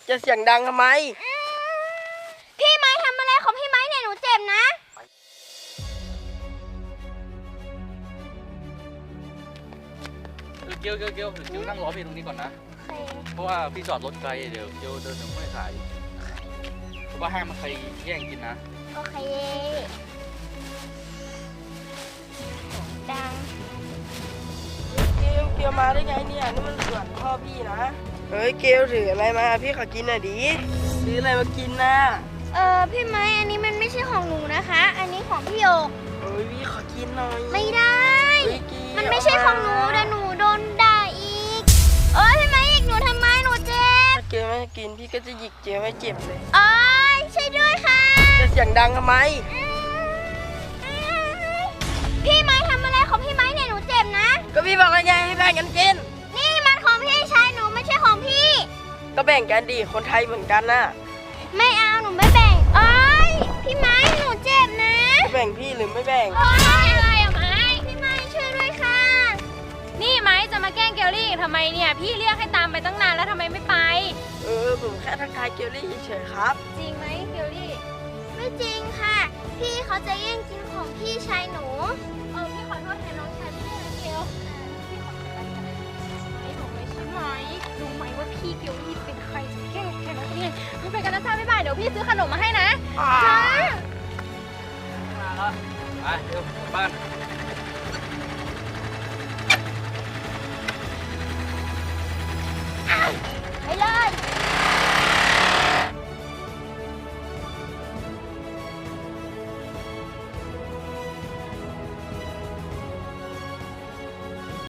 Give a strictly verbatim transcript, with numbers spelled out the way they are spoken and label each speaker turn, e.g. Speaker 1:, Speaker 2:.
Speaker 1: จะเสียงดังทำไม
Speaker 2: พี่ไม้ทำอะไรของพี่ไม้เนี่ยหนูเจ็บนะ
Speaker 3: เกียวเกียวเกียวเกียวนั่งรอพี่ตรงนี้ก่อนนะเพราะว่าพี่จอดรถไกลเดี๋ยวเกียวเดินถึงไม่ขายเพราะว่าห้ามมันใครแย่งกินนะ
Speaker 2: โอเคดัง
Speaker 1: เกลเกลมาได้ไงเนี่ยนี่มันสวนพ่อพี่นะเฮ้ยเกลถืออะไรมาพี่ขอกินหน่อยดิซื้ออะไรมากินนะ
Speaker 2: เออพี่ไม้อันนี้มันไม่ใช่ของหนูนะคะอันนี้ของพี่โอก
Speaker 1: เฮ้ยพี่ขอกินหน่อย
Speaker 2: ไม่ได้มันไม่ใช่ของหนูเดี๋ยวหนูโดนด่าอีกเอ้ยพี่ไม้อีกหนูทำไมหนูเจ็บ
Speaker 1: ถ้าเกลไม่กินพี่ก็จะหยิกเกลให้เจ็บเลย
Speaker 2: เอ้ยช่วยด้วยค่ะ
Speaker 1: จะเสียงดังทำไม
Speaker 2: พี่ไม้ทำอะไรของพี่ไม้เนี่ยหนูเจ็บนะ
Speaker 1: ก็พี่บอกแล้วไงให้แบ่งกันกิน
Speaker 2: นี่มันของพี่ชายหนูไม่ใช่ของพี่
Speaker 1: ก็แบ่งกันดิคนไทยเหมือนกันน่ะ
Speaker 2: ไม่เอาหนูไม่แบ่งเอ้ยพี่ไม้หนูเจ็บนะ
Speaker 1: จะแบ่งพี่หรือไม่แบ่ง
Speaker 2: เอ้ยอะไรอะไม้พี่ไม้ช่วยด้วยค่ะ
Speaker 4: นี่ไม้จะมาแกล้งเกลลี่ทำไมเนี่ยพี่เรียกให้ตามไปตั้งนานแล้วทำไมไม่ไป
Speaker 1: เออผมแค่ทักทายเกลลี่เฉยๆครับ
Speaker 4: จริงไหมเกลลี่
Speaker 2: ไม่จริงค่ะพี่เขาจะแย่งกินของพี่ชายหนู
Speaker 4: เออพี่ขอโทษแทนน้องชายพี่นะเกลพี่ขอโทษนะไม่บอกเลยใช่ไหมรู้ไหมว่าพี่เกลลี่เป็นใครจะแกล้งแทนน้องนี่เอาไปกันนะจ้าบ๊ายบายเดี๋ยวพี่ซื้อขนมมาให้นะ
Speaker 3: ค่ะมาแล้วไปเดี๋ยวบ้าน